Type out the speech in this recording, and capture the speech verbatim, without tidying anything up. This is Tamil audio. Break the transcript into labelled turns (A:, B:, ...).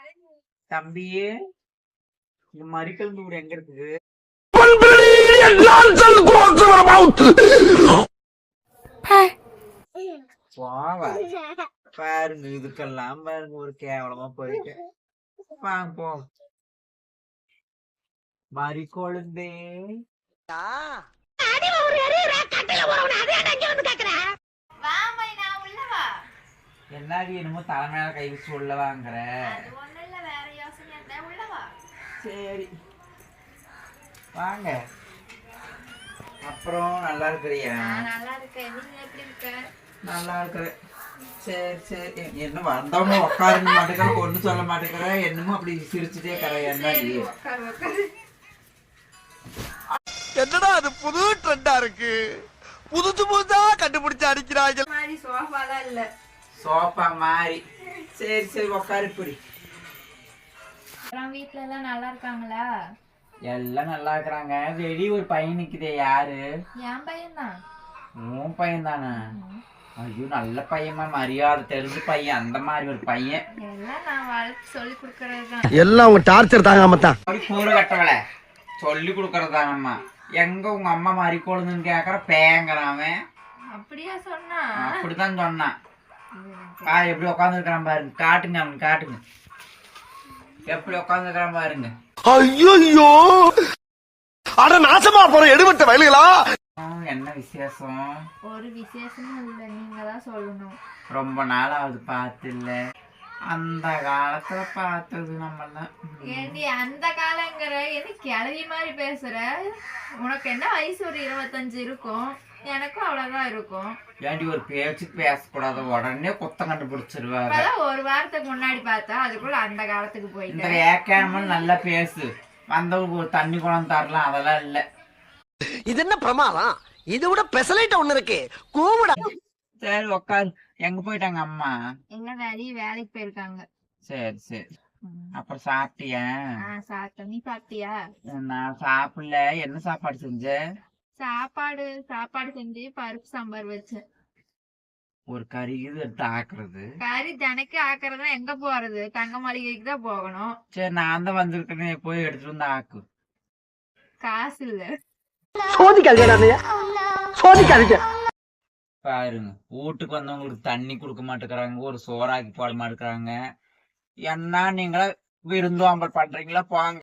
A: தம்பி, இந்த மறிக்கல் எங்க இருக்குது? பாருங்க, இதுக்கெல்லாம் பாருங்க ஒரு கேவலமா போயிட்டு வாங்க போ. மறிக்கொழுந்தே என்னாடி என்னமோ தலைமையில கை வச்சு உள்ள வாங்குற? சரி வாங்க. அப்புறம் நல்லா இருக்கிறியா? நல்லா இருக்கிற. சரி சரி. என்ன வந்தவங்க உட்காருங்க மாட்டேங்கிற, ஒண்ணு சொல்ல மாட்டேங்கிற, என்னமோ அப்படி சிரிச்சுட்டே இருக்கிற. என்னடி
B: என்னடா அது புது ட்ரெண்டா இருக்கு, புதுசு புதுசா கண்டுபிடிச்சு அடிக்கிறாங்க.
C: சோஃபாலாம் இல்ல,
A: சோஃபா மாதிரி. சரி சரி உட்காரு. இப்படி
C: வீட்டுல எல்லாம் நல்லா இருக்காங்களா?
A: எல்லாம் நல்லா இருக்கிறாங்க. வெளியே ஒரு பையன் நிக்குதே, யாரு?
C: என் பையன் தான்.
A: உன் பையன் தானே? ஐயோ, நல்ல பையமா, மரியாதை தெரிஞ்ச பையன், அந்த மாதிரி ஒரு பையன்.
C: எல்லாம் நான் வளர்த்து சொல்லி கொடுக்கறதுதான்.
B: எல்லாம் உங்க டார்ச்சர் தாங்காம தான்.
A: அப்படி கூறு கட்டவள சொல்லி கொடுக்கறதானம்மா. எங்க உங்க அம்மா மாதிரி கொழுந்துன்னு கேக்குற பேங்கிறான்.
C: அப்படியா சொன்னா?
A: அப்படித்தான் சொன்னான். கா எப்படி உட்காந்து இருக்கிறான் பாருங்க, காட்டுங்க அவனுக்கு, காட்டுங்க எப்படி உட்காந்து இருக்கிறான் பாருங்க.
B: ஐயோ, அட நாசமா போற எடுபட்ட வயலுகளா.
A: என்ன விசேஷம்?
C: ஒரு விசேஷமும் இல்ல, நீங்க தான் சொல்லணும்.
A: ரொம்ப நாள் ஆகுது பார்த்து. இல்ல அந்த காலத்துல பார்த்தது நம்மெல்லாம்.
C: ஏண்டி அந்த காலங்கிற என்ன கிளவி மாதிரி பேசுற? உனக்கு என்ன வயசு? ஒரு இருபத்தஞ்சு இருக்கும், எனக்கும் அவ்வளவுதான் இருக்கும்.
A: ஏண்டி ஒரு பேச்சுக்கு பேசக்கூடாது, உடனே குத்தம் கண்டுபிடிச்சிருவாரு.
C: ஒரு வாரத்துக்கு முன்னாடி பார்த்தா அதுக்குள்ள அந்த காலத்துக்கு போயிட்டு.
A: இந்த ஏக்காமல் நல்லா பேசு, வந்தவங்களுக்கு ஒரு தண்ணி குளம் தரலாம், அதெல்லாம் இல்ல.
B: இது என்ன பிரமாதம்? இது விட பெசலைட்ட ஒண்ணு இருக்கு, கூவிடா.
A: சரி உட்காரு. எங்க போயிட்டாங்க அம்மா?
C: எங்க வேலையை வேலைக்கு போயிருக்காங்க.
A: சரி சரி. அப்புறம் சாப்பிட்டியா?
C: சாப்பிட்டேன். நீ சாப்பிட்டியா?
A: நான் சாப்பிடல. என்ன சாப்பாடு செஞ்ச?
C: சாப்பாடு சாப்பாடு செஞ்சு பருப்பு சாம்பார் வச்சேன்.
A: ஒரு கறி இது எடுத்து ஆக்குறது.
C: கறி தினைக்கு ஆக்குறதா எங்க போறது? தங்க மளிகைக்கு தான் போகணும்.
A: சரி, நான் தான் வந்திருக்கேன், போய் எடுத்துட்டு வந்து ஆக்கு.
C: காசு இல்ல.
A: பாருங்க, வீட்டுக்கு வந்தவங்களுக்கு தண்ணி கொடுக்க மாட்டேங்கிறாங்க, ஒரு சோறாக்கி போட மாட்டேங்கிறாங்க. என்ன நீங்களா விருந்தோம்பல் பண்றீங்களா? போங்க.